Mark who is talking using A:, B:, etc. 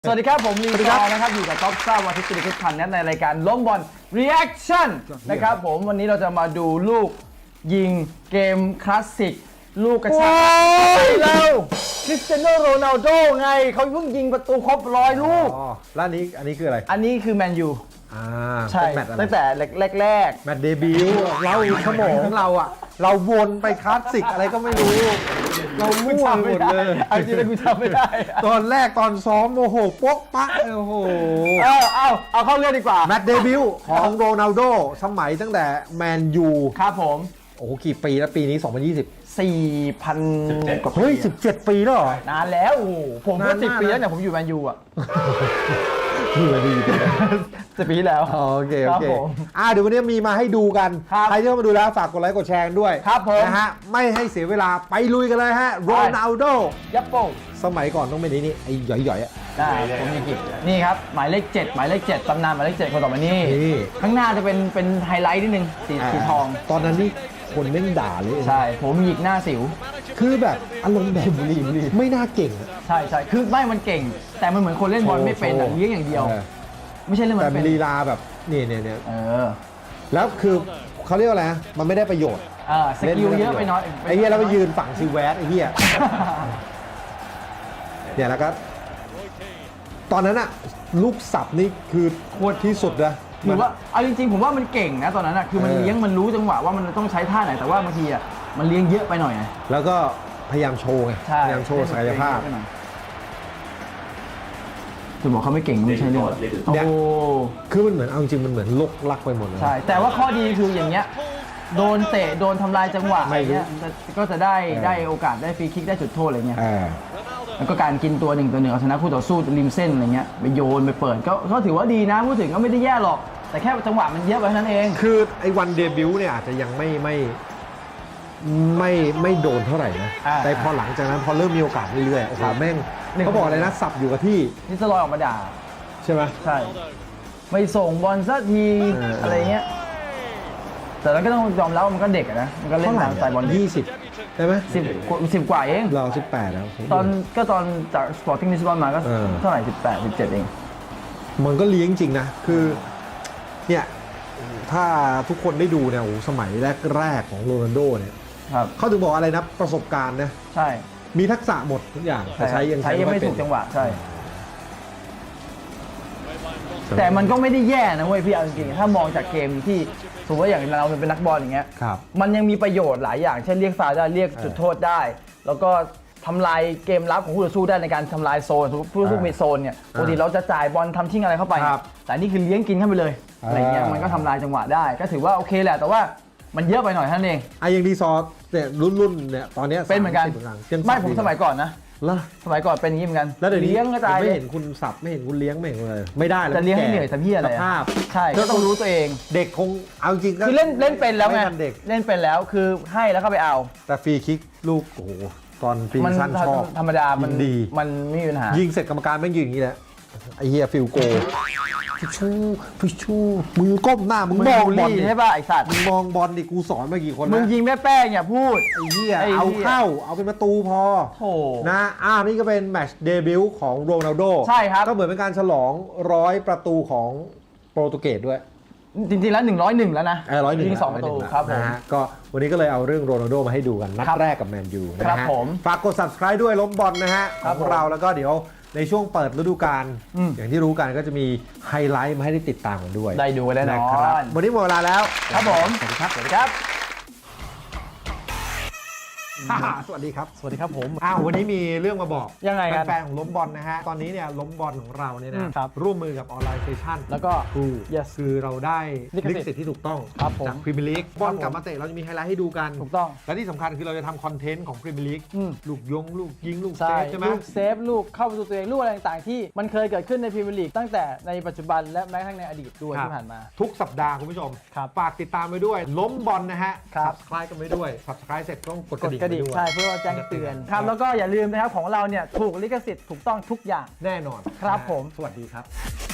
A: สวัสดีครับผมลีซอร์นะครับอยู่กับท็อปซ่าวันที่สิบพันในรายการล้มบอล reaction นะครับผมวันนี้เราจะมาดูลูกยิงเกมคลาสสิกลูกกระชากเราคริสเตียโนโรนัลโดไงเขาเพิ่งยิงประตูครบ100 ลูก
B: แล้วอันนี้คืออะไร
A: อันนี้คือแมนยูใช่
B: แมตช์อะไร
A: ตั้งแต่แรก
B: แมตช์เดบิวต์เราสมองเราอ่ะเราวนไปคลาสสิกอะไรก็ไม่รู้เรามั่วหมดเลย
A: เอาจริงๆกูจำไม่ได้
B: ตอนแรกตอนซ้อมโอ้โหโป๊กปะโอ้โห
A: เอาเข้าเรื่องดีกว่า
B: แมตช์เดบิวต์ของโรนัลโดสมัยตั้งแต่แมนยู
A: ครับผม
B: โอ้โหกี่ปีแล้วปีนี้2020
A: 4,000 กว่าปี
B: เฮ้ย17 ปีแล้วเหรอน
A: านแล้วโอ้ผมก็10 ปีแล้วเนี่ยผมอยู่แมนยูอ่ะ
B: นี่มาดี
A: 10 ปีที่แล้ว
B: โอเค
A: ครับผม
B: เดี๋ยววันนี้มีมาให้ดูกัน
A: ครับ
B: ใครที่เข้ามาดูแล้วฝากกดไลค์กดแชร์ด้วย
A: ครับผม
B: นะฮะไม่ให้เสียเวลาไปลุยกันเลยฮะโรนัลโด
A: ยับโป้
B: สมัยก่อนต้องเป็นไอ้หย่อยๆอ่ะ
A: ได้ผมมีกิจนี่ครับหมายเลข7หมายเลข7ตำนานหมายเลข7คนต่อมานี่
B: นี่
A: ข้างหน้าจะเป็นไฮไลท์นิดนึงสีทอง
B: ตอนนั้นนี่คนเล่นด่าเลย
A: ใช่ผมหยิกหน้าสิว
B: คือแบบอารมณ์แบบบุรีไม่น่าเก่งอะ
A: ใช่คือไม่มันเก่ง แต่มันเหมือนคนเล่นบอลไม่เป็นเลี้ยงอย่างเดียว ไม่ใช่เล่นบอล
B: แต่
A: เป็น
B: ลีลาแบบนี่
A: อ
B: แล้วคือเขาเรียกว่าอะไรนะมันไม่ได้ประโยชน์
A: สกิลเยอะไปน้อย
B: ไอ้เหี้ยแล้วไปยืนฝั่งซิแวสไอ้เหี้ยเนี่ยแล้วก็ตอนนั้นอะลูกสับนี่คือโคตรที่สุดนะ
A: หรือว่าเอาจริงๆผมว่ามันเก่งนะตอนนั้นอะคือมันเลี้ยงมันรู้จังหวะว่ามันต้องใช้ท่าไหนแต่ว่าบางทีอะมันเลี้ยงเยอะไปหน่อยไง
B: แล้วก็พยายามโชว์ไง
A: ใช่
B: พยายามโชว์ศักยภาพ
A: คือบอกเขาไม่เก่งไม่ใช่เรื่องโอ้
B: คือมันเหมือนเอาจริงมันเหมือนลกลักไปหมดเลย
A: ใช่แต่ว่าข้อดีคืออย่างเงี้ยโดนเตะโดนทำลายจังหวะอะไรเงี้ยก็จะได้โอกาสได้ฟรีคิกได้จุดโทษอะไรเงี้ยแล้วก็การกินตัวหนึ่งเอาชนะคู่ต่อสู้ริมเส้นอะไรเงี้ยไปโยนไปเปิดก็ถือว่าดีนะพูดถึงก็ไม่ได้แย่หรอกแต่แค่จังหวะมันเยอะไปเท่านั้นเอง
B: คือไอ้วันเดบิวต์เนี่ยอาจจะยังไม่โดนเท่าไหร่นะแต่พอหลังจากนั้นพอเริ่มมีโอกาสเรื่อยๆโอ้โหแม่งเขาบอกอะไรนะสับอยู่กับที่
A: นี่สลอยออกมาด่า
B: ใช่ไหม
A: ใช่ไม่ส่งบอลสักทีอะไรเงี้ยแต่แล้วก็ต้องยอมรับว่ามันก็เด็กนะมันก็เล่นตามสไตล์บอล
B: 20ใช่ไหม
A: 10 กว่าเอง
B: เรา18แล้ว
A: ตอนจากสปอร์ติ้งลิสบอนมาก็เท่าไหร่18 17เอง
B: มันก็เลี้ยงจริงนะคือเนี่ยถ้าทุกคนได้ดูเนี่ยโอ้สมัยแรกของโรนัลโดเนี่ยเขาถึงบอกอะไรนะประสบการณ์นะ
A: ใช่
B: มีทักษะหมดทุกอย่างแต่ใช้ยัง
A: ไม่ถูกจังหวะใช่แต่มันก็ไม่ได้แย่นะเว้ยพี่เอาจริงๆถ้ามองจากเกมที่สมมติว่าอย่างเราเป็นนักบอลอย่างเงี้ยมันยังมีประโยชน์หลายอย่างเช่นเรียกฟาวล์ได้เรียกจุดโทษได้แล้วก็ทำลายเกมรับของผู้ต่อสู้ได้ในการทำลายโซนผู้ต่อสู้มีโซนเนี่ยปกติเราจะจ่ายบอลทำทิ้งอะไรเข้าไปแต่นี่คือเลี้ยงกินเข้าไปเลยอะไรเงี้ยมันก็ทำลายจังหวะได้ก็ถือว่าโอเคแหละแต่ว่ามันเยอะไปหน่อยเท่านั้นเอง
B: ยังดีซอเนี่ยรุ่นเนี่ยตอนนี้
A: เป็นเหมือนกันไม่ผมสมัยก่อนนะสมัยก่อนเป็นอย่างนี้เหมือนกัน
B: แล้วเดี๋ยวนี้
A: เลี้ยงกระจาย
B: ไม่เห็นคุณสับไม่เห็นคุณเลี้ยงไม่เห็นเลยไม่ได้แล้ว
A: จะเลี้ยงให้เหนื่อยทำเหี้ยอะไร
B: ภาพ
A: ใช่ก็ต้องรู้ตัวเอง
B: เด็กคงเอาจริง
A: คือเล่นเป็นแล้วไงเล่นเป็นแล้วคือให้แล้วก็ไปเอา
B: แต่ฟรีคิกลูกโอ้โหตอนฟรีสั้นชอบ
A: ธรรมดามัน
B: ดี
A: มันไม่มีปัญหา
B: ยิงเสร็จกรรมการแม่งยิงอย่างนี้แหละไอ้เฮียฟิลโกฟิชูมึงก้มหน้ามึงมองบอล
A: ใช่ป่ะไอ้สัตว์
B: มึงมองบอลดิกูสอนมากี่คน
A: มึงยิงแม่แป้งอย่าพูด
B: ไอ้เฮียเอาเข้าเอาเป็นประตูพอนะนี่ก็เป็นแมตช์เดบิวต์ของโรนัลโด
A: ใช่ครับ
B: ก็เหมือนเป็นการฉลอง100 ประตูของโปรตุเกสด้วย
A: จริงๆแล้ว101แล้วนะ
B: 101
A: ยิง2 ประตูครับผม
B: ก็วันนี้ก็เลยเอาเรื่องโรนัลโดมาให้ดูกันนัดแรกกับแมนยูนะฮะฝากกด subscribe ด้วยล้มบอลนะฮะของเราแล้วก็เดี๋ยวในช่วงเปิดฤดูกาลอย่างที่รู้กันก็จะมีไฮไลท์มาให้ได้ติดตามกันด้วย
A: ได้ดูกันแน่นอน
B: วันนี้หมดเวลาแล้ว
A: ครับผม
B: สวัสดีครับสวัสดีครับ
A: สวัสดีครับผม
B: วันนี้มีเรื่องมาบอก
A: ยังไงกัน
B: แฟนของล้มบอลนะฮะตอนนี้เนี่ยล้มบอลของเราเนี่ยนะร่วมมือกับออนไลน์เซชั่น
A: แล้วก็
B: คือเราได้ลิขสิทธิ์ที่ถูกต้องจากพรีเมียร์ลีกบอลกลับมาเตะเราจะมีไฮไลท์ให้ดูกัน
A: ถูกต้อง
B: และที่สำคัญคือเราจะทำคอนเทนต์ของพรีเมียร์ลีกลูกลูกยิงลูกเซฟใช่ไหม
A: ลูกเซฟลูกเข้าประตูตัวเองลูกอะไรต่างๆที่มันเคยเกิดขึ้นในพรีเมียร์ลีกตั้งแต่ในปัจจุบันและแม้กระทั่งในอดีตด้วยที่ผ่านมา
B: ทุกสัปดาห์คุณผู้ชมฝากติดตามไปด้วยล้มบอลนะฮะ subscribe กันไปด้วย subscribe เสร็จต้องกดกระดิ่งด้วย
A: ใช่เพื่อแจ้งเตือนครับแล้วก็อย่าลืมนะครับของเราเนี่ยถูกลิขสิทธิ์ถูกต้องทุกอย่าง
B: แน่นอน
A: ครับผม
B: สวัสดีครับ